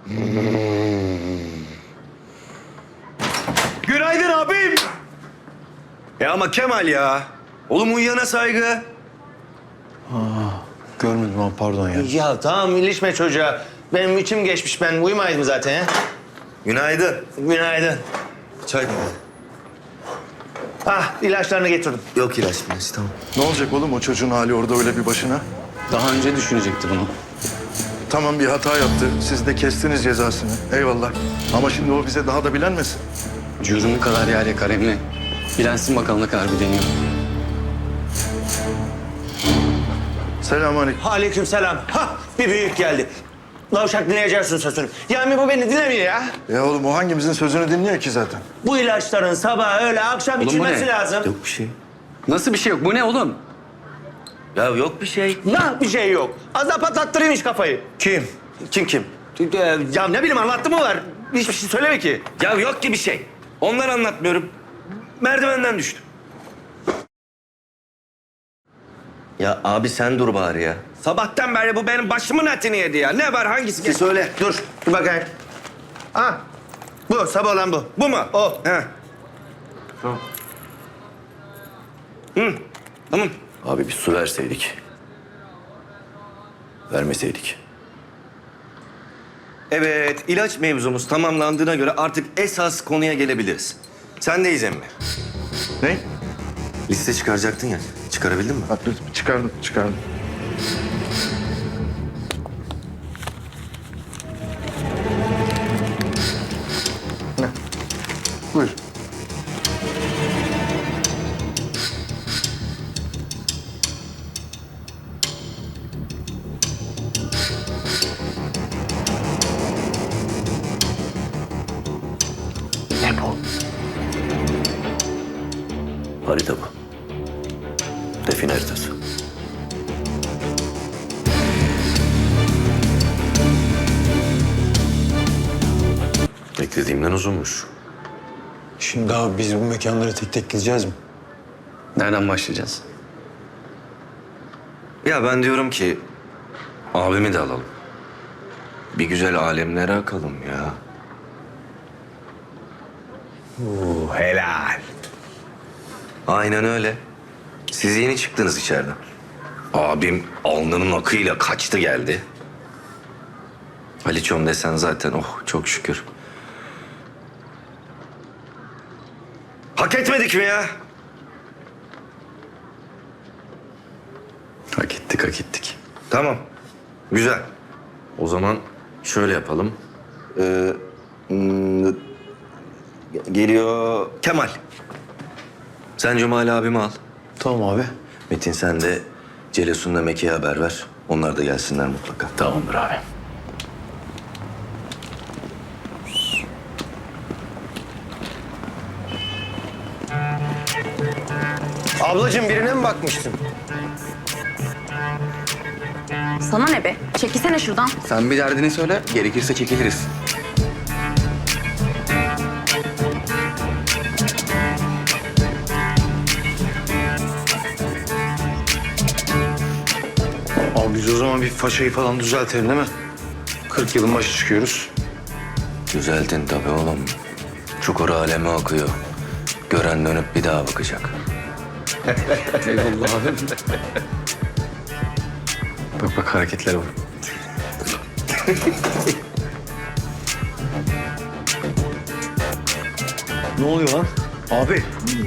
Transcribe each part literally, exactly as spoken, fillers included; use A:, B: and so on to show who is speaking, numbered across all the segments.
A: Günaydın abim. Ya ama Kemal ya. Oğlum uyuyana saygı.
B: Görmedim abi, pardon ya.
C: Ya tamam ilişme çocuğa. Benim içim geçmiş, ben uyumaydım zaten ya.
A: Günaydın.
C: Günaydın.
A: Çay.
C: Ah, ilaçlarını getirdim.
A: Yok ilaç ilaç tamam.
B: Ne olacak oğlum o çocuğun hali orada öyle bir başına?
D: Daha önce düşünecektir onu.
B: Tamam, bir hata yaptı. Siz de kestiniz cezasını. Eyvallah. Ama şimdi o bize daha da bilenmesin.
D: Cürümü kadar yer yakar Emre. Bilensin bakalım ne kadar bir deniyor.
B: Selamünaleyküm.
C: Aleykümselam. Ha, bir büyük geldi. Lavşak dinleyeceksin sözünü. Yani bu beni dinlemiyor ya.
B: Ya oğlum o hangimizin sözünü dinliyor ki zaten?
C: Bu ilaçların sabah, öğle, akşam
D: Oğlum bu
C: içilmesi
D: ne?
C: lazım.
A: Yok bir şey.
D: Nasıl bir şey yok? Bu ne oğlum?
A: Ya yok bir şey.
C: Nah bir şey yok. Az daha patlattırayım iş kafayı.
A: Kim? Kim kim?
C: Ee, Ya ne bileyim, anlattı mı var? Hiçbir şey söyleme ki.
A: Ya yok ki bir şey. Ondan anlatmıyorum. Merdivenden düştüm. Ya abi sen dur bari ya. Sabahtan beri bu benim başımın etini yedi ya. Ne var hangisi?
C: Bir söyle, dur. Bir bakayım. Ha, bu, sabah olan bu.
A: Bu mu?
C: O.
A: He.
B: Tamam.
A: Hı. Tamam.
E: Abi bir su verseydik. Vermeseydik.
A: Evet, ilaç mevzumuz tamamlandığına göre artık esas konuya gelebiliriz. Sendeyiz emmi.
B: Ne?
A: Liste çıkaracaktın ya. Çıkarabildin mi?
B: Ha, dur, çıkardım, çıkardım. Ne? Buyur.
E: Ne bu? Harita bu. Define haritası. Beklediğimden uzunmuş.
B: Şimdi abi biz bu mekanlara tek tek gideceğiz mi?
D: Nereden başlayacağız?
A: Ya ben diyorum ki abimi de alalım. Bir güzel alemlere akalım ya.
C: Bu helal.
A: Aynen öyle. Siz yeni çıktınız içeriden. Abim alnının akıyla kaçtı geldi. Aliçom desen zaten oh çok şükür. Hak etmedik mi ya?
D: Hak ettik, hak ettik.
A: Tamam. Güzel. O zaman şöyle yapalım. Ee, hmm, geliyor Kemal. Sen Cemal abimi al.
B: Tamam abi.
A: Metin sen de Celesun'la Meki'ye haber ver. Onlar da gelsinler mutlaka.
E: Tamamdır abi.
C: Ablacığım, birine mi bakmıştın?
F: Sana ne be? Çekilsene şuradan.
D: Sen bir derdini söyle, gerekirse çekiliriz.
B: Abi biz o zaman bir façayı falan düzeltelim değil mi? kırk yılın başı çıkıyoruz.
A: Düzeltin tabii oğlum. Çukur aleme akıyor. Gören dönüp bir daha bakacak.
D: Eyvallah abi. Bak bak hareketlere bak.
B: Ne oluyor lan? Abi.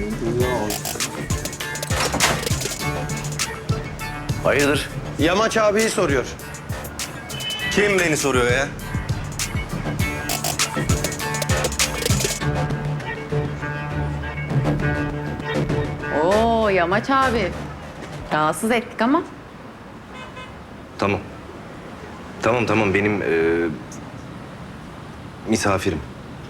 A: Hayırdır?
C: Yamaç abiyi soruyor.
A: Kim beni soruyor ya?
F: Oo Yamaç abi. Rahatsız ettik ama.
A: Tamam. Tamam tamam benim e, misafirim.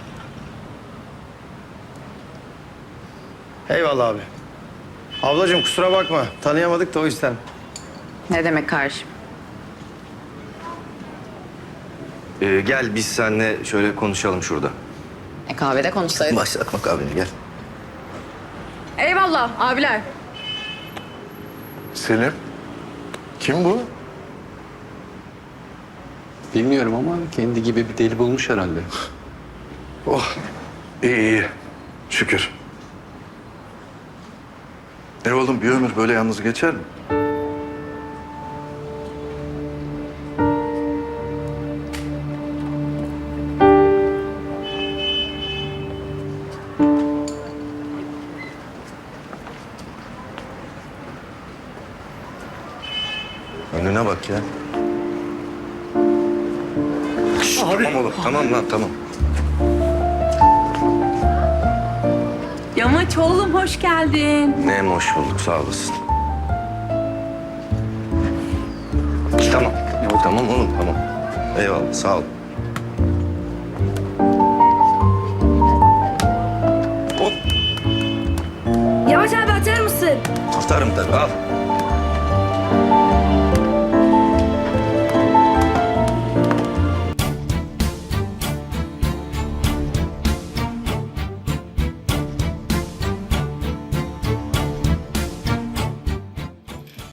C: Eyvallah abi. Ablacığım kusura bakma. Tanıyamadık da o yüzden.
F: Ne demek kardeşim?
A: E, gel biz seninle şöyle konuşalım şurada.
F: E kahvede konuşsaydık.
A: Başlatmak abini gel.
F: Eyvallah abiler.
B: Selim. Kim bu?
D: Bilmiyorum ama kendi gibi bir deli bulmuş herhalde.
B: Oh, iyi iyi. Şükür. E oğlum bir ömür böyle yalnız geçer mi? Önüne bak ya. Şşt, tamam oğlum, tamam lan, tamam.
G: Yamaç oğlum hoş geldin.
A: Ne hoş bulduk, sağ olasın. Tamam. Tamam oğlum, tamam. Eyvallah, sağ ol. Hop,
G: Yamaç abi atar mısın?
A: atarım tabii, al.